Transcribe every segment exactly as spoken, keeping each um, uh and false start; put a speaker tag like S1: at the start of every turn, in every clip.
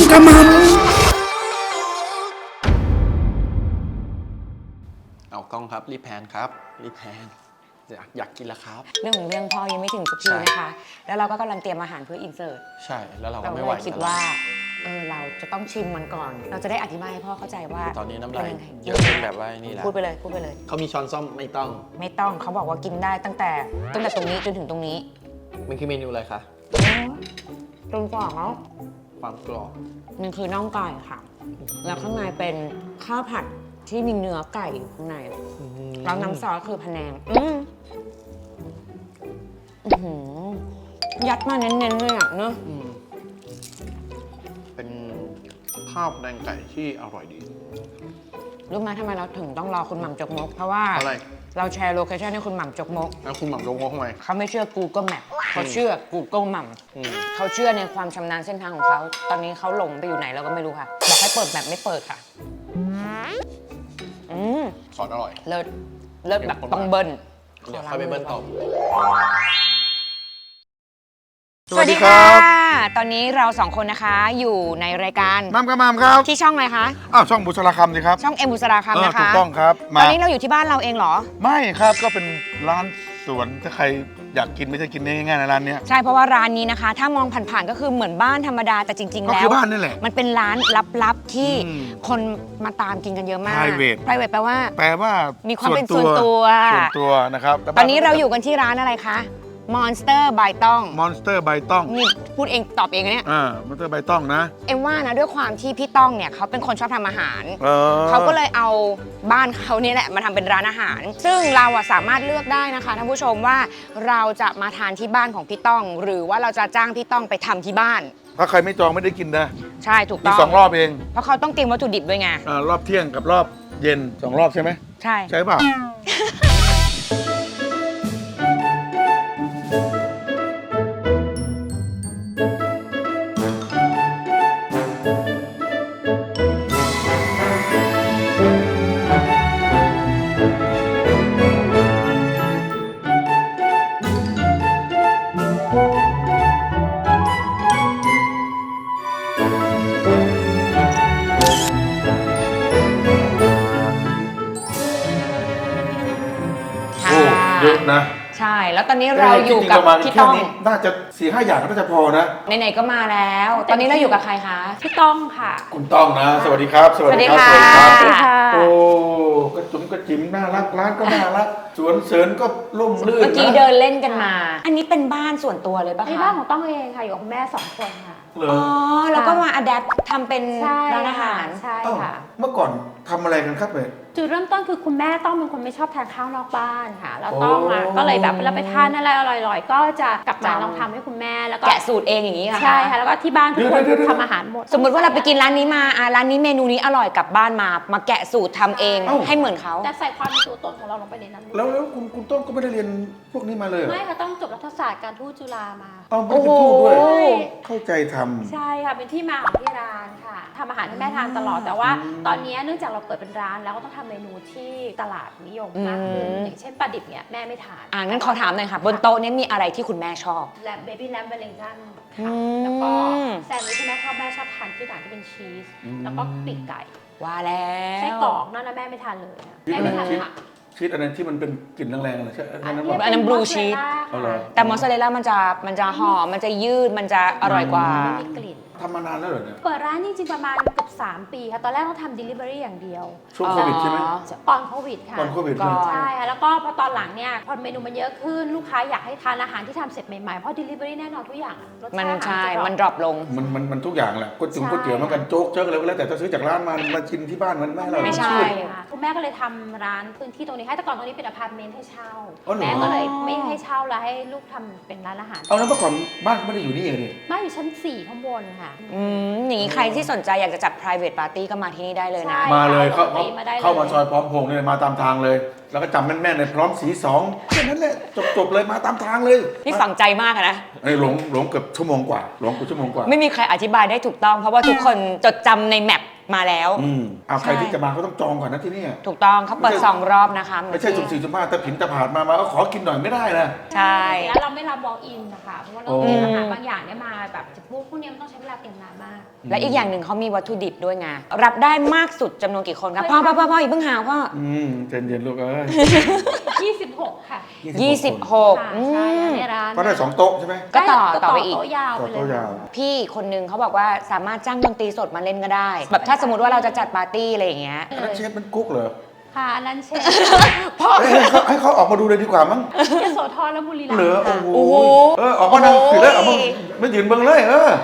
S1: กระมัง
S2: เอากล้องครับรีบแพนครับรีบแพนอยากอยากกินแล้วครับ
S3: เรื่องของเรื่องพ่อยังไม่ถึงสักทีนะคะแล้วเราก็กำลังเตรียมอาหารเพื่ออินเสิร์ต
S2: ใช่แล้วเราก็
S3: เรา
S2: ไม่
S3: เล
S2: ไหวย
S3: คิดว่าเออเราจะต้องชิมมันก่อน เราจะได้อธิบายให้พ่อเข้าใจว่า
S2: ตอนนี้น้ำลาย
S3: ป็งไง
S2: เยอะจนแบบว่านี่แหละ
S3: พูดไปเลยพูดไปเลย
S2: เขามีช้อนซ่อมไม่ต้อง
S3: ไม่ต้องเขาบอกว่ากินได้ตั้งแต่ตั้งแต่ตรงนี้จนถึงตรงนี้
S2: มันคือเมนูอะไรคะ
S3: ตรงกรอบเขา
S2: ความกรอบ
S3: มันคือน่องไก่ค่ะ แล้วข้างในเป็นข้าวผัดที่มีเนื้อไก่อยู่ข้างในแล้วน้ำซอสคือพะแนงอืมอื้อหือยัดมาเน้นๆเลยอ่ะเนอะ
S2: อืมเป็นข้าวแดงไก่ที่อร่อยดี
S3: รู้ไหมทำไมเราถึงต้องรอคุณหม่ำจกมก เพราะว่า
S2: อะไร
S3: เราแชร์โลเคชั่นให้คุณหม่ำจกมก
S2: แล้วคุณหม่ำโยงงทำไม
S3: เขาไม่เชื่อ Google Map เขาเชื่อ Google หม่
S2: อืม
S3: ำเขาเชื่อในความชำนาญเส้นทางของเขา ตอนนี้เขาหลงไปอยู่ไหนเราก็ไม่รู้ค่ะ บอกให้เปิดแบบไม่เปิดค่ะ อืม
S2: ซอสอร่อย
S3: เลิศเลิศแบบต้องเบิ้ล
S2: เดี๋ยวค่อยไปเบิ้ลต่อ
S3: สวัสดีค่ะตอนนี้เราสองคนนะคะอยู่ในรายการ
S1: มัมกระมัมครับ
S3: ที่ช่องอะไรคะ
S1: อ้าวช่องบุษราคำสิครับ
S3: ช่องเอ็มบุษราคำนะคะ
S1: ถูกต้องครับ
S3: ตอนนี้เราอยู่ที่บ้านเราเองเหรอ
S1: ไม่ครับก็เป็นร้านสวนถ้าใครอยากกินไม่ใช่กินได้ง่ายๆในะร้านเนี้ย
S3: ใช่เพราะว่าร้านนี้นะคะ ถ้ามองผ่านๆก็คือเหมือนบ้านธรรมดาแต่จริงๆ
S1: ก็
S3: แล้ว
S1: คือบ้านนี่แหละ
S3: มันเป็นร้านลับๆที่
S1: อืม
S3: คนมาตามกินกันเยอะมาก
S1: private
S3: private แปลว่า
S1: แปลว่า
S3: มีความเป็นส่วนตัว
S1: ส่วนตัวนะครับ
S3: ตอนนี้เราอยู่กันที่ร้านอะไรคะ Monster ใบต้อง
S1: มอนสเตอร์ใบต้อง
S3: นี่พูดเองตอบเองนะเนี่ย
S1: อ่ามอนสเตอร์ใบต้องนะ
S3: เอ็มว่านะด้วยความที่พี่ต้องเนี่ยเขาเป็นคนชอบทำอาหาร
S1: เออ
S3: เขาก็เลยเอาบ้านเขานี่แหละมาทำเป็นร้านอาหาร ซึ่งเราอะสามารถเลือกได้นะคะท่านผู้ชมว่าเราจะมาทานที่บ้านของพี่ต้อง หรือว่าเราจะจ้างพี่ต้องไปทำที่บ้าน
S1: ถ้าใครไม่จองไม่ได้กินนะ
S3: ใช่ถูก
S1: มี
S3: ต้อง
S1: สองรอบเอง
S3: เพราะเขาต้องเตรียมวัตถุดิบด้วยไง
S1: อ่ารอบเที่ยงกับรอบเย็นสองรอบใช่ไหม
S3: ใช่
S1: ใช่เปล่า โอ้เยอะนะ
S3: ใช่ แล้วตอนนี้เราอยู่กับพี่ต้อง
S1: น่าจะสี่ห้าอย่างก็น่าจะพอนะ
S3: ไหนๆก็มาแล้ว ตอนนี้เราอยู่กับใครคะ
S4: พี่ต้องค่ะ
S1: คุณต้องนะ สวัสดีครับ
S3: สวัสดีค่ะ
S1: สวัสดีครับ
S4: สวัสดีค่ะ
S1: โอ้กระจุ๋มกระจิ๋มน่ารักร้านก็น่ารัก สวนเสริญก็ร่มรื่น
S3: เมื่อกี้
S1: นะ
S3: เดินเล่นกันมา อันนี้เป็นบ้านส่วนตัวเลยปะ
S4: ที่
S3: คะ
S4: บ้านของต้องเองค่ะ อยู่กับคุณแม่สองคนค่ะ
S1: เหร
S3: อ๋
S1: อ
S3: อ แล้วก็มาอัดแอปทำเป็น
S4: ใช่
S3: ร้านอาหาร
S4: ใช่
S1: เอ้า
S4: ค่ะ
S1: เมื่อก่อนทำอะไรกันครับเนี่ย
S4: จุดเริ่มต้นคือคุณแม่ต้องเป็นคนไม่ชอบทานข้าวนอกบ้านค่ะ แล้ว
S1: โอ้
S4: ต้องอ่ะก็เลยแบบเวลาไปทานอะไรอร่อยๆ ก็จะกลับมาลองทำให้คุณแม่แล้วก็
S3: แกะสูตรเองอย่างนี้ค่ะ
S4: ใช่ค่ะ แล้วก็ที่บ้านทุกคนทำอาหารหมด
S3: สมมติว่าเราไปกินร้านนี้มาอ่ะร้านนี้เมนูนี้อร่อยกลับบ้านมา มาแกะสูตรทำเองให้เหมือนเขา
S4: แต่ใส่ความเป็นตัวตนของเราลงไปในนั้น
S1: แล้วแล้วคุณคุณต้องก็ไม่ได้เรียนพวกนี้มาเลยเหรอ
S4: ไม่ค่ะต้องจบรัฐศาสตร์การทูตจุฬามา
S1: เอาไม่ได้เป็นทูตด้วย
S3: โอ้โห
S1: เข้าใจทำ
S4: ใช่ค่ะ เป็นที่มาของที่ร้านค่ะทำอาหารให้แม่ทานตลอด แต่ว่าตอนนี้เนื่องจากเราเปิดเป็นร้านแล้วก็ต้องทำเมนูที่ตลาดนิยมมากขึ้น
S3: อืม
S4: อย่างเช่นปลาดิบเนี่ยแม่ไม่ทาน
S3: อ่างั้นขอถามหน่อยค่ะ บนโต๊ะนี้มีอะไรที่คุณแม่ชอบ
S4: แลมเบบี้แลมเบลลิงตัน
S3: อื
S4: ค่ะ
S3: ม
S4: แล้วก็แซนด์วิชที่แม่ชอบแม่ชอบทานที่ต่างที่เป็นชีส
S1: อืม
S4: แล้วก็ปีกไก่
S3: ว่าแล้ว
S4: ไส้กรอกนั่นนะแม่ไม่ทานเลยนะแม่ไม่ทานผัก
S1: ชีสอันนั้นที่มันเป็นกลิ่นแรงๆเลยใช่ไหมอันนั้น
S4: นี้
S1: ป่ะ
S3: อันนั้น blue
S4: มอสซาเรล
S3: cheese
S4: ล่า
S1: เอาเหรอ
S4: ค่ะ
S3: แต่มอสซาเรลล่ามันจะมันจะหอมมันจะยืดมันจะอร่อยกว่า
S4: ไม่มีกลิ่น
S1: ทำมานานแล้วเหรอเนี่ย
S4: เปิดร้านจริงๆประมาณเกือบสามปีค่ะ ตอนแรกเราทำ delivery อย่างเดียว
S1: ช่วงโควิดใช่ไหม
S3: อ๋อ
S4: ตอนโควิดค่ะ
S1: ตอนโควิด
S3: ก่อน
S4: ใช่ค่ะ แล้วก็พอตอนหลังเนี่ย พอเมนูมันเยอะขึ้น ลูกค้าอยากให้ทานอาหารที่ทำเสร็จใหม่ๆ เพราะ delivery แน่นอนทุกอย่างอะรส
S3: มัน
S4: ชาติอาหาร
S3: ใช่
S4: จะ
S3: มันดรอปลง
S1: มันมันมันทุกอย่างแหละก๋วยเตี๋ยว
S4: ใช่
S1: ก๋วยเตี๋ยวเหมันกันโจ๊กเจ๊กอะไรก็แล้วแต่ถ้าซื้อจากร้านมามากินที่บ้านมันไม่อร่อย
S3: ไม่ใช่
S1: ชื่น
S4: ค่ะคุณแม่ก็เลยทำร้านพื้นที่ตรงนี้ให้แต่ก่อนตรงนี้เป็นอพาร์ตเมนต์ให้เช่า
S1: อ๋อเหรอ
S4: แม่ก็เลยไม่ให้เช่าแล้วให้ลูกทำเป็นร้านอาหาร
S1: เอาแล้วเมื่อก่อนบ้านไม่ได้อยู่นี่เองนี่
S4: บ้านอยู่ชั้นสี่ข้างบนค่ะ
S3: อืมอย่างนี้ใครที่สนใจอยากจะจัด private party ก็มาที่นี่ได้เลยนะ
S4: ใช่
S1: มาเลยเข้า
S4: ปกติมาได้เลย
S1: เข้ามาซอยพร้อมพงษ์เนี่ยมาตามทางเลย แล้วก็จำแม่นๆในพร้อมสีสองแค่นั้นแหละจบๆเลยมาตามทางเลย
S3: นี่ฝังใจมากอะนะ
S1: ไอ้หลงหลงเกือบชั่วโมงกว่าหลงเกือบชั่วโมงกว่า
S3: ไม่มีใครอธิบายได้ถูกต้อง เพราะว่าทุกคนจดจำในแมปมาแล้ว
S1: อืมเอาใคร
S3: ใช่
S1: ที่จะมาก็ต้องจองก่อนนะที่นี่
S3: ถูกต้องเขาเปิดสองรอบนะคะ
S1: ไม่ใช่สุ่มสี่สุ่มห้าแต่ผินตะผาดมามาก็ขอกินหน่อยไม่ได้นะ
S3: ใช่
S4: แล้วเราไม่รับ walk in นะคะเพราะว่าเรา
S1: โอ้
S4: เตรียมอาหารบางอย่างเนี่ยมาแบบจะพวกพวกนี้มันต้องใช้เวลาเตรียมนานมาก
S3: และอีกอย่างหนึ่งเขามีวัตถุดิบด้วยไงรับได้มากสุดจำนวนกี่คนครับพ่อพ่อพ่อพ่ออย่าเพิ่งหาพ่อ
S1: อืมเจนเย็นลูกเอ้ย
S4: ยี่สิบหก ค่ะ
S3: ยี่สิบหก
S4: ค่ะ
S3: อื
S4: ใช่
S3: ม
S4: ในร้าน
S1: ก็ได้สองโต๊ะใช่ไหม
S3: ก็ต่อ
S4: ก็
S3: ต่อไปอีก
S4: โต๊ะยาว
S1: ต่อ
S4: ไปเล
S1: โต๊ะ
S4: ย
S1: ยาว
S3: พี่คนนึงเขาบอกว่าสามารถจ้างดนตรีสดมาเล่นก็ได้ แบบถ้าสมมติว่าเราจะจัดปาร์ตี้อะไรอย่างเงี้ย
S1: อันนั้นเชฟมันกุ๊กเหรอ
S4: ค่ะอันนั้นเชฟ
S1: เอ้ยให้เขาให้เขาออกมาดูเลยดีกว่ามั้ง
S4: ยโสธรและบุรีรัม
S1: เหลือ
S4: ย์
S1: โอ้
S4: ค่ะ
S1: โห
S3: โอ้โห
S1: เออออกมานั่ง
S3: โอ้โห
S1: ผิดแล้วออกมาไม่ยืนเบิ่งเลยเออ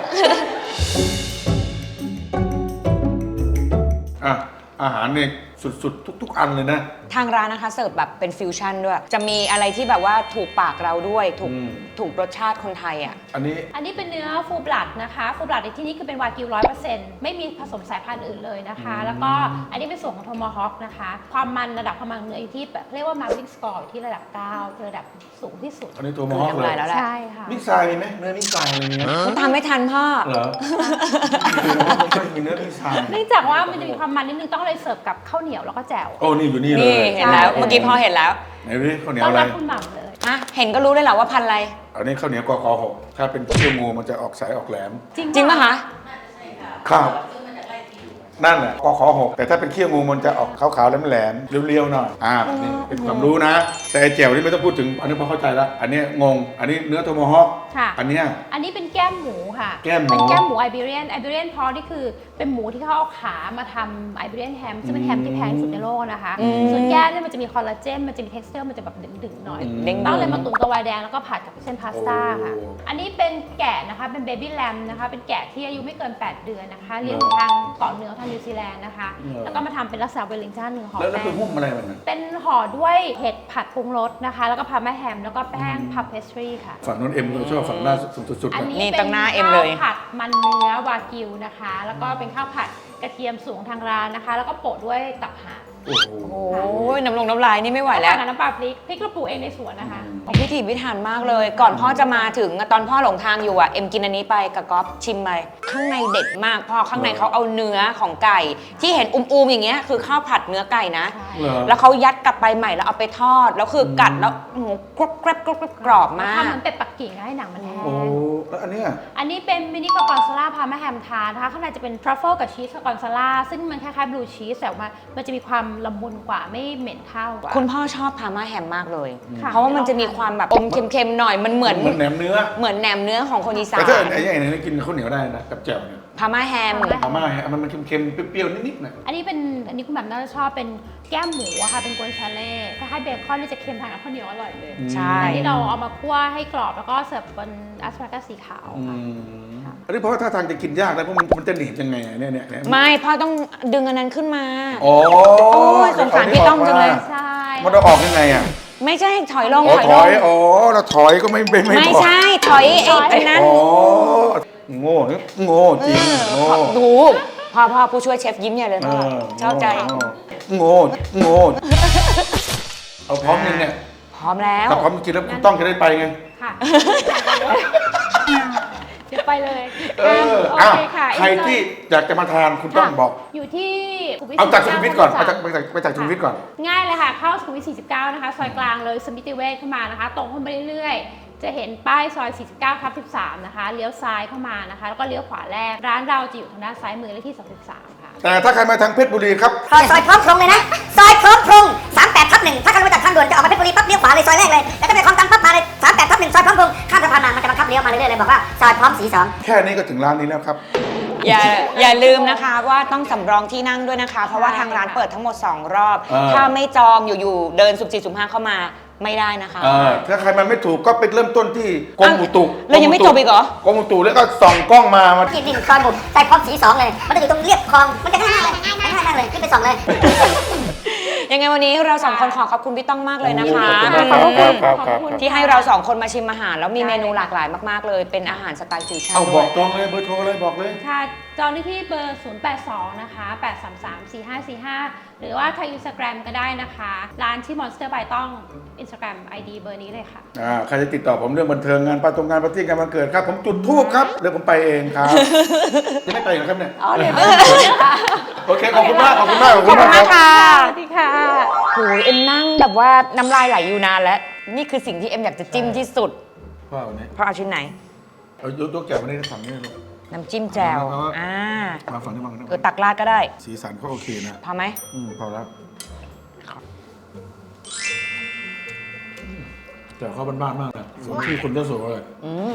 S1: อ่ะอาหารเนี่ยสุดๆ ทุก ๆ อันเลยนะ
S3: ทางร้านนะคะเสิร์ฟแบบเป็นฟิวชั่นด้วย จะมีอะไรที่แบบว่าถูกปากเราด้วย ถูก
S1: อืม
S3: ถูกรสชาติคนไทยอ่ะ
S1: อันนี้
S4: อันนี้เป็นเนื้อฟูบลัดนะคะฟูบลัดในที่นี้คือเป็นวากิวร้อยเปอร์เซ็นต์ไม่มีผสมสายพันธุ์อื่นเลยนะคะ
S1: อืม
S4: แล้วก็อันนี้เป็นส่วนของโทมฮอคนะคะ ความมันระดับความมันเนื้ออยู่ที่แบบเรียกว่ามาร์กิ้งสกอร์ที่ระดับเก้าคือระดับสูงที่สุด
S1: อันนี้ตัวมอฮอก
S3: คือ
S1: เล
S3: ทำลาย ยแล้วแหละ
S4: ใช่ค่ะ
S1: มิกซายมีไหมเนื้อมิกซายอะไรเงี้ย
S3: มันทำไม่ทันพ่อ
S1: เหรอไม่มีเนื้อมิกซาย
S4: เนื่องจากว่ามันจะมีความมันนิดนึงต้องเลยเสิร์ฟกับข้าวเหนียวแล้วก็แจ่ว
S1: โอ้นี่อยู่นี่เล
S3: นี่
S1: ย
S3: เห็นแล้ว
S4: ใช่
S3: เมื่อกี้พ่อเห็นแล้ว
S1: ไหนดูดิข้าวเหนียว
S4: ต้อ
S1: อะ
S4: น
S1: ไร
S4: รับคุณหม่ำเลย
S3: อ่ะเห็นก็รู้เลยเหรอว่าพันธุ์อะไร
S1: อันนี้ข้าวเหนียวกอคอหกถ้าเป็นเขี้ยวงูมันจะออกสายออกแหลม
S4: จริง
S3: จริงป่ะคะ
S1: ครับนั่นแหละกอขอหกแต่ถ้าเป็นเขี้ยวงูมันจะออกขาวๆแหลมๆเรียวๆหน่อยอ่านี่เป็นความรู้นะ แต่ไอ้แจ่วนี่ไม่ต้องพูดถึงอันนี้พอเข้าใจแล้วอันนี้งง อันนี้เนื้อโทโมฮอค
S4: ค่ะ
S1: อันเนี้ย
S4: อันนี้เป็นแก้มหมูค่ะ
S1: แก้มหมู
S4: เป็นแก้มหมูไอเบเรียนไอเบเรียนพอนี่คือเป็นหมูที่เขาเอาขามาทำไอเบเรียนแฮมซึ่งเป็นแฮมที่แพงที่สุดในโลกนะคะ
S3: อืม
S4: ส่วนแก้มเนี่ยมันจะมีคอลลาเจนมันจะมี texture มันจะแบบดึงๆหน่อย
S3: เด้งๆ
S4: ต้องเลยมาตุ๋นกับไวน์แดงแล้วก็ผัดกับเส้นพาสต้าค่ะ
S1: โอ้
S4: อันนี้เป็นแกะนะคะเป็นเบบี้แลมนะคะเป็นแกะที่อายุไม่เกิน แปด เดือนนะคะเลี้ยงอยู่ทางเกาะเหนือทางนิวซีแลนด์นะคะ
S1: เหรอ
S4: แล้วก็มาทำเป็นลักษณะเวลลิงตันหนึ่งห่อ
S1: แล้วแล้ว
S4: แป้
S1: เป็น
S4: ง
S1: หุ้มอะไรมันน่ะ
S4: เป็นห่อด้วยเห็ดผัดปรุงรสนะคะ แล้วก็พาแม่แฮมแล้วก็แป้งพับเพสทรีค่ะ
S1: ฝั่งนู้นเอ็มเราชอบฝั่งหน้าสุดๆ
S4: อัน
S1: นะ
S4: นี้
S3: นี่
S4: เป็
S3: ตั้งหน้าเอ็มเลย
S4: ข้าวผัดมันเนื้อวากิวนะคะ แล้วก็เป็นข้าวผัดกระเทียมสูงทางร้านนะคะ แล้วก็โปะด้วยตับห่าน
S1: โอ้โห
S3: โอ้ยน้ำลงน้ำลายนี่ไม่ไหวแล้ว
S4: กับน้ำปลาพริกพริกเราปลูกเองในสวนนะคะ
S3: โอ้พิถีพิถันมากเลย ก่อนพ่อจะมาถึงอะตอนพ่อหลงทางอยู่อ่ะ เอ็มกินอันนี้ไปกับก๊อฟชิมไปข้างในเด็ดมากพ่อข้างในเขาเอาเนื้อของไก่ ที่เห็นอุ้มๆอย่างเงี้ยคือข้าวผัดเนื้อไก่นะ
S1: เหรอ
S3: แล้วเขายัดกลับไปใหม่แล้วเอาไปทอด แล้วคือกัดแล้วโอ้โหกรอบกรอบกรอบกรอบมาก
S4: ทำเหมือนเป็ดปักกิ่งให้หนังมันแห้ง
S1: โอ้แล้วอันเนี้ย
S4: อันนี้เป็นมินิกอร์กอนซาล่าพาแม่แฮมทานนะคะข้างในจะเป็นทรัฟเฟิลกับชีสกอร์กอนซาล่าซึ่งมันคล้ายๆบลูชีสแต่ว่ามันจะมีความละมุนกว่าไม่เหม็นเท่า
S3: คุณพ่อชอบพาม่าแฮมมากเลย
S4: ค่ะ
S3: เพราะว่ามันจะมีความแบบอมเค็มๆหน่อยมันเหมือน
S1: เหมือนแหนมเนื้อ
S3: เหมือนแหนมเนื้อของคนอีสา
S1: แต่ถ้าน ไอ้ไอ้นี่กินข้าวเหนียวได้นะกับแจ่วเนี่ย
S3: พาม่าแฮม
S1: อาม่าฮะมันมันเค็มๆเปรี้ยวๆนิดๆนะ
S4: อันนี้เป็นอันนี้คุณแบบน่าจะชอบเป็นแก้มหมูอะค่ะเป็นกวนชาเล่คล้ายๆเบคอนที่จะเค็มทานกับข้าวเหนียวอร่อยเลย
S3: ใช่
S4: อันนี้เราเอามาคั่วให้กรอบแล้วก็เสิร์ฟบนอัสปารากัสสีขาว
S1: อื
S4: ค่ะ
S1: มอันนี้เพราะว่าท่าทางจะกินยากนะเพราะมันมันจะหนีบยังไงอะเนี่ยเนี่ยเนี่ย
S3: ไม่พ่อต้องดึงอันนั้นขึ้นมา
S1: โอ้
S3: ยสงสารพี่ต้องจังเลย
S4: ใช่
S1: มันจะออกยังไงอ่ะ
S3: ไม่ใช่ถอยลง
S1: อ๋อ
S3: ถอย
S1: ถ
S3: ล
S1: อง ยอ๋อเราถอยก็ไม่ไม่ไม่
S3: ไม่
S1: บอก
S3: ใช่ถอยไอ้ไอ้นั้น
S1: อ๋อโง่โง่จริงโง่
S3: ดูพ่อพ่อผู้ช่วยเชฟยิ้มใหญ่เลยพ่อชอบใจ
S1: โง่โง่เอาพร้อมยังเนี่ย
S3: พร้อมแล้ว
S1: ถ้าพร้อมจริงแล้วคุณต้องจะได้ไปไง
S4: ค่ะเดี๋ยวไปเลย
S1: เออ
S4: โอ
S1: อ้าว
S4: เคค่ะ
S1: ใครที่อยากจะมาทานคุณต้องบอก
S4: อยู่ที่สุขุมวิท
S1: เอาจากสุขุมวิทก่อน
S4: 49
S1: ไปจากไปจากไปจากสุขุมวิทก่อน
S4: ง่ายเลยค่ะ เข้าสุขุมวิทสี่สิบเก้านะคะซอยกลางเลยสมิติเวชเข้ามานะคะ ตรงเข้าไปเรื่อยๆ จะเห็นป้ายซอยสี่สิบเก้าทับสิบสามนะคะเลี้ยวซ้ายเข้ามานะคะ แล้วก็เลี้ยวขวาแรกร้านเราจะอยู่ทางด้านซ้ายมือเลขที่สามสิบสามค่ะ
S1: แต่ถ้าใครมาทางเพชรบุรีครับ
S5: ซอยซอยพร้อมพรงเลยนะ ซอยพร้อมพรงสามแปดทับหนึ่งถ้าขับรถจากทางด่วนจะออกมาเพชรบุรีปั๊บเลี้ยวขวาเลยซอยแรกเลย แล้วก็ไปคลองตันปั๊บมาเลยสามแปดทับหนึ่งซอยพร้อมพรงข้ามสะพานมามันจะบังคับเลี้ยวมาเรื่อยๆเลยบอกว่าซอยพร้อมสีสอง
S1: แค่นี้ก็ถึงร้านนี้แล้วครับ
S3: อย่าอย่าลืมนะคะว่าต้องสำรองที่นั่งด้วยนะคะ เพราะว่าทางร้านเปิดทั้งหมดสองรอบ
S1: เออ
S3: ถ้าไม่จองอยู่ๆเดินสุ่มสี่สุ่มห้าเข้ามาไม่ได้นะคะ
S1: เออถ้าใครมาไม่ถูกก็ไปเริ่มต้นที่กรมอุตุ
S3: แล้วยังไม่จบอีกเหรอ
S1: กรมอุตุแล้วก็ส่องกล้องมามา
S5: ที่ดินซอยบุกซอยพร้อมสีสองเลย มันจะอยู่ตรงเรียบคลอง มันจะง่ายๆเลยง่ายมากเลย ขึ้นไปส่องเลย
S3: ยังไงวันนี้เราสองคนขอขอบคุณพี่ต้องมากเลยนะคะ
S1: ขอบคุณครับ
S4: ขอบคุณ
S3: ที่ให้เราสองคนมาชิมอาหาร แล้วมีเมนูหลากหลายมากๆเลย เป็นอาหารสไตล์ฟิวชั่น
S1: เอาบ
S3: ด้ว
S1: อย กตรงเลยเบอร์โทรเลยบอกเลย
S4: ค่ะ จองได้ที่เบอร์ ศูนย์ แปด สอง นะคะ แปด สาม สาม สี่ ห้า สี่ ห้า หรือว่าทาง Instagram ก็ได้นะคะ ร้านที่ Monster by ต้อง Instagram ไอ ดี เบอร์นี้เลยค่ะ
S1: อ่าใครจะติดต่อผมเรื่องบันเทิงงานปาตรงงานปาร์ตี้งานวันเกิดครับ ผมจุดทูบครับเดี๋ยวผมไปเองครับ จะไม่ไปเหรอครับเนี่ย
S4: อ๋อเดี๋ยว
S1: โอเคขอบคุณมากขอบคุณมาก
S3: ขอบคุณมากค่ะ
S4: สวัสดีค่ะ
S3: โหยเอ็มนั่งแบบว่าน้ำลายไหลอยู่นานแล้ว นี่คือสิ่งที่เอ็มอยากจะจิ้มที่สุด
S1: พ่อวันนี้
S3: เพราะเอาชิ้นไหน
S1: เอายกยกแก้วมาได้ฝั่งนี้ลูก
S3: น้ำจิ้มแจ่ว
S1: เอาเอา
S3: อ่า
S1: มาฝั่งนี้มาฝั่งนี้
S3: เออตักราดก็ได้
S1: สีสันเขาโอเคนะ
S3: พอไหม
S1: อืมพอแล้วแต่เขาบ้านๆมากนะสมที่คุณเจ้าสัวเลย
S3: อืม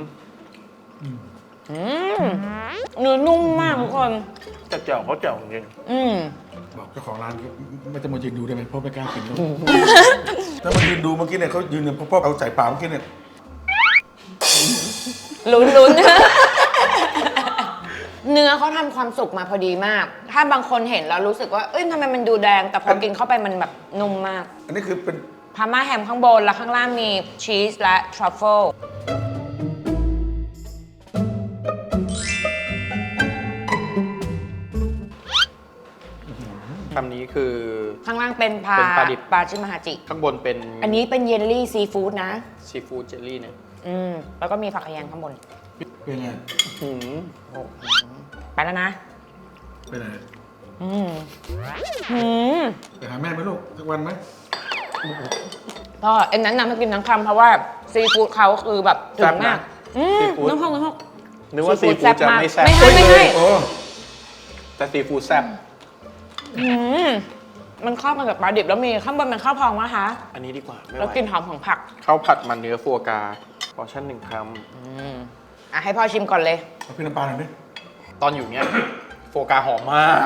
S3: อืมเนื้อนุ่มมากทุกคน
S2: แต่แจ่วเขาแจ่วจริง
S3: อืม
S1: บอกเจ้าของร้านไม่จะมายืนดูได้ไหมเพราะไม่กล้ากินลูกถ้ามายืนดูเมื่อกี้เนี่ยเขายืนเนี่ยเพราะเอาใส่ปากเมื่อกี้เนี่ย
S3: ลุ้นลุ้น เนื้อเขาทำความสุกมาพอดีมาก ถ้าบางคนเห็นแล้วรู้สึกว่า เอ้ยทำไมมันดูแดง แต่พอกินเข้าไปมันแบบนุ่มมาก
S1: อันนี้คือเป็น
S3: พาม่าแฮมข้างบน แล้วข้างล่างมีชีสและทรัฟเฟิล
S2: คำนี้คือ
S3: ข้างล่างเป็นพา
S2: เป็นปลาดิบ
S3: ปลาชิมฮาจิ
S2: ข้างบนเป็น
S3: อันนี้เป็นเยลลี่ซีฟู้ดนะ
S2: ซีฟู้ดเจลลี่เนี่ย
S3: อืม แล้วก็มีผักขยงข้างบน
S1: เป็นไง
S2: หืม
S3: ไปแล้วนะ
S1: ไปไหน
S3: อืมอืม
S1: ไปหาแม่ไหมลูกสักวันไหม
S3: ก็เอ็นนั้นนำให้กินทั้งคำเพราะว่าซีฟู้ดเขาคือแบบถึงมาก อืมน้ำพองน้ำพอง
S2: นึกว่าซีฟู้ดจะไม่แซ่บ
S3: ไม่ให้ไม่ให้
S1: โอ้
S2: แต่ซีฟู้ดแซ่บ
S3: อืมมันเข้ากันกับปลาดิบแล้วมีข้างบนเป็นข้าวพองนะคะ
S2: อันนี้ดีกว่าไม่ไห
S3: แล้ว
S2: ว
S3: กลิ่นหอมของผัก
S2: ข้าวผัดมันเนื้อฟัวกราพอชั่นหนึ่งค
S3: อืมอ่ะให้พ่อชิมก่อนเลย
S1: เอาพี่น้ำปลาหน่อยดิ
S2: ำตอนอยู่เนี้ยฟัวกราหอมมาก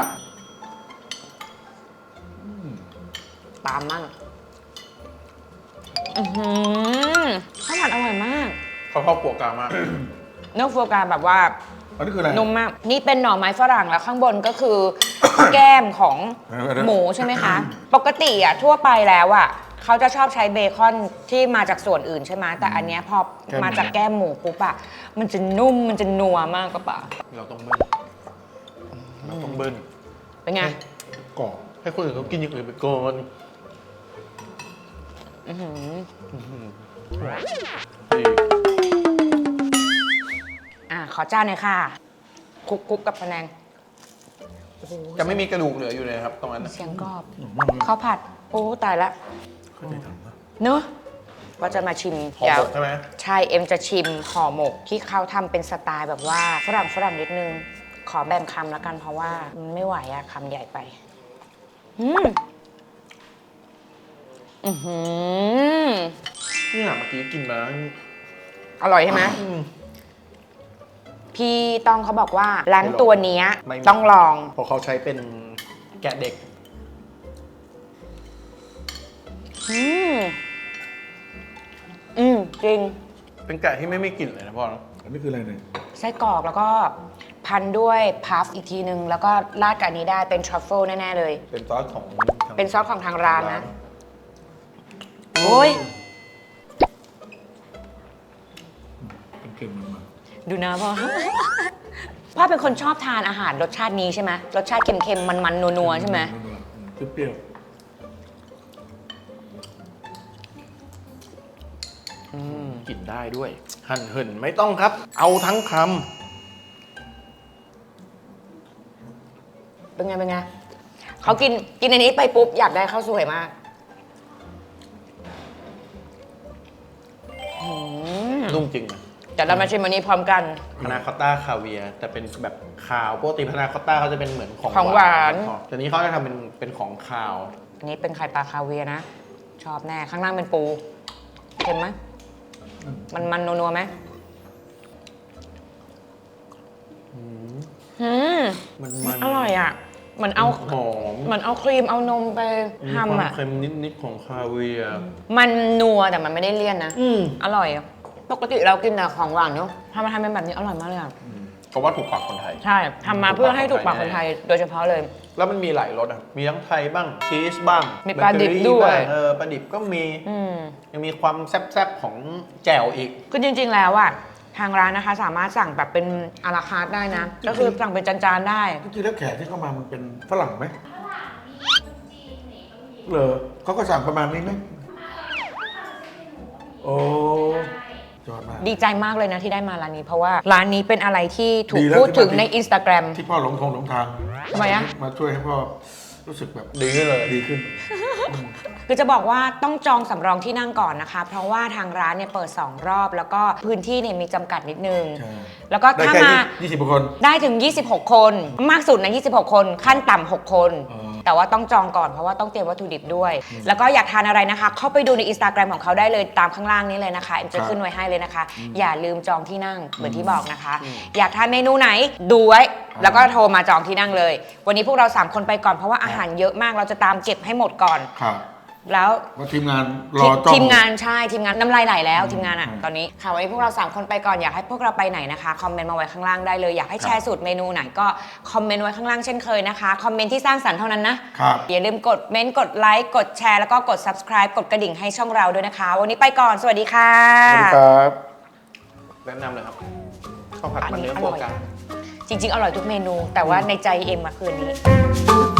S3: ตามมั่งอือหือข้าวผัดอร่อยมาก
S2: เขาชอบฟัวกรามาก
S3: เนื้อโฟกาแบบว่า
S1: อันนี้คืออะไร
S3: นุ่มมาก นี่เป็นหน่อไม้ฝรั่งแล้วข้างบนก็คือ แก้มของ
S1: เออเออ
S3: หมูใช่ไหมคะ ปกติอ่ะทั่วไปแล้วอ่ะเขาจะชอบใช้เบคอนที่มาจากส่วนอื่นใช่ไหมแต่อันเนี้ยพอมาจากแก้มหมูปุ๊บอ่ะมันจะนุ่มมันจะนัวมากกว่าป่ะ
S2: เราต้องเบิ้ลเราต้องเบิ้ล
S3: เป็นไง
S1: กรอบ
S2: ให้คนอื่นเขากินอย่างอื่นไปก่อน
S3: อื้อหือ
S2: ดี
S3: อ่ะขอจานหน่อยค่ะคลุกๆกับพะแนงโอ้โห
S2: จะไม่มีกระดูกเหลืออยู่เลยครับตรงนั้นน่ะ
S3: เสียงกรอบ
S1: หอมมากเลย
S3: ข้าวผัด โอ้ตายละ
S1: เข้าใจทำนะ
S3: เนอะก็จะมาชิม
S2: หอม
S3: เดี๋ยว
S2: หมดใช่ไหม
S3: ใช่เอ็มจะชิมห่อหมกที่เขาทำเป็นสไตล์แบบว่าฝรั่งฝรั่งนิดนึง ขอแบ่งคำแล้วกันเพราะว่ามันไม่ไหวอะคำใหญ่ไป อืมอือหือ
S2: เนี่ยเมื่อกี้กินมา
S3: อร่อยใช่ไหม
S2: อืม
S3: พี่ต้องเขาบอกว่าร้าน
S2: ไม่ลอง
S3: ตัวเนี้ย
S2: ไม่มี
S3: ต้องลอง
S2: เพราะเขาใช้เป็นแกะเด็ก
S3: อืมอืมจริง
S2: เป็นแกะที่ไม่มีกลิ่นเลยนะพ่อเนอะ
S1: อันนี้คืออะไรเนี่ย
S3: ไส้กรอกแล้วก็พันด้วยพัฟอีกทีนึง แล้วก็ราดกับอันนี้ได้เป็นทรัฟเฟิลแน่ ๆ เลย
S2: เป็นซอสของทาง
S3: เป็นซอสของทางร้านนะ โอ้ย
S1: เค็มๆมันมา
S3: ดูนะพ่อ พ่อเป็นคนชอบทานอาหารรสชาตินี้ใช่ไหมรสชาติเค็มๆ มันๆ นัวๆ ใช่ไหม
S1: เปรี้ยว
S2: กินได้ด้วย หั่นเหินไม่ต้องครับ เอาทั้งค
S3: เป็นไง เป็นไง เขากินกินอันนี้ไปปุ๊บ อยากได้ข้าวสวยมากอืม
S2: ำนุ่มจริงนะ
S3: เดี๋ยวเรามาชิมอันนี้พร้อมกัน
S2: พานาคอตต้าคาเวียร์แต่เป็นแบบคาวปกติพานาคอตต้าเขาจะเป็นเหมือนของ
S3: ของหวาน
S2: แต่นี้เขาจะทำเป็นเป็นของคาว
S3: อันนี้เป็นไข่ปลาคาเวียร์นะ ชอบแน่ ข้างล่างเป็นปู เค็มไหม มันมันนัวๆไหมอืม
S2: มันมัน
S3: อร่อยอ่ะเหมือนเอา
S2: หอม
S3: เหมือนเอาครีมเอานมไป
S2: มีความ
S3: ทำอ่ะ
S2: เค็มนิดๆของคาเวียร์
S3: มันนัวแต่มันไม่ได้เลี่ยนนะ
S2: อืม
S3: อร่อยอะปกติเรากินแต่ของหวานเนาะทำมาทำเป็นแบบนี้อร่อยมากเลยอ่ะ
S2: เพราะว่าถูกปากคนไทย
S3: ใช่ทำมาเพื่อให้ถูกปากคนไทยโดยเฉพาะเลย
S2: แล้วมันมีหลายรสอ่ะ มีทั้งไทยบ้าง ชีสบ้าง
S3: มีปลาดิบ
S2: เบเกอรี่
S3: ด้วย
S2: บ้างเออ ปลาดิบก็มี
S3: อืม
S2: ยังมีความแซ่บๆของแจ่วอีก
S3: คือจริงๆแล้วอ่ะทางร้านนะคะสามารถสั่งแบบเป็นอาราคาร์ทได้นะ ก็คือสั่งเป็นจานๆได้
S1: จริงๆแล้วแขกที่เข้ามามันเป็นฝรั่งไหมเหรอเขาก็สั่งประมาณนี้ไหมโอ้จยอดมาก
S3: ดีใจมากเลยนะที่ได้มาร้านนี้ เพราะว่าร้านนี้เป็นอะไรที่ถูก
S1: ดีแล้ว
S3: พูดถึง
S1: ที่มา
S3: ใน Instagram
S1: ที่พ่อหลงทงหลงทาง
S3: ทำไมอะ
S1: มาช่วยให้พ่อรู้สึกแบบ
S2: ดีขึ้นเลย
S1: ดีขึ้น
S3: คือจะบอกว่าต้องจองสำรองที่นั่งก่อนนะคะ เพราะว่าทางร้านเนี่ยเปิดสองรอบ แล้วก็พื้นที่เนี่ยมีจำกัดนิดนึง
S1: ใช่
S3: แล้วก็
S1: ได้
S3: ถ้า
S1: แค่
S3: มา
S1: ยี่สิบคน
S3: ได้ถึง ยี่สิบหก คน มากสุดนะยี่สิบหก คน ขั้นต่ำหกคน
S1: อ๋อ
S3: แต่ว่าต้องจองก่อนเพราะว่าต้องเตรียมวัตถุดิบด้วย แล้วก็อยากทานอะไรนะคะ เข้าไปดูใน Instagram ของเขาได้เลยตามข้างล่างนี้เลยนะคะเอ็มจะขึ้นไว้ให้เลยนะคะ อย่าลืมจองที่นั่งเหมือนที่บอกนะคะ อยากทานเมนูไหนดูไว้ แล้วก็โทรมาจองที่นั่งเลย วันนี้พวกเราสามคนไปก่อนเพราะว่าอาหารเยอะมากเราจะตามเก็บให้หมดก่อน
S1: ครับ
S3: แล้ว
S1: ว่าทีมงานรอจ้อง
S3: ทีมงานใช่ทีมงานน้ำลายไหลแล้วทีมงานอ่ะ
S1: อืม
S3: ตอนนี้ค่ะวันนี้พวกเราสามคนไปก่อนอยากให้พวกเราไปไหนนะคะคอมเมนต์มาไว้ข้างล่างได้เลยอยากให้แชร์สูตรเมนูไหนก็คอมเมนต์ไว้ข้างล่างเช่นเคยนะคะคอมเมนต์ที่สร้างสรรค์เท่านั้นนะครับ อย่าลืมกดเมนต์กดไลค์กดแชร์แล้วก็กด subscribe กดกระดิ่งให้ช่องเราด้วยนะคะ วันนี้ไปก่อนสวัสดีค่ะ
S1: สวัสดีครับ
S2: แนะนำเลยครับข้าวผัด
S3: อัน
S2: มัน
S3: นี้
S2: เนื้อ
S3: อ
S2: โฟ
S3: ร่อย
S2: กา
S3: จริง ๆ อร่อยทุกเมนู แต่ว่าในใจเอ็มมาคืนนี้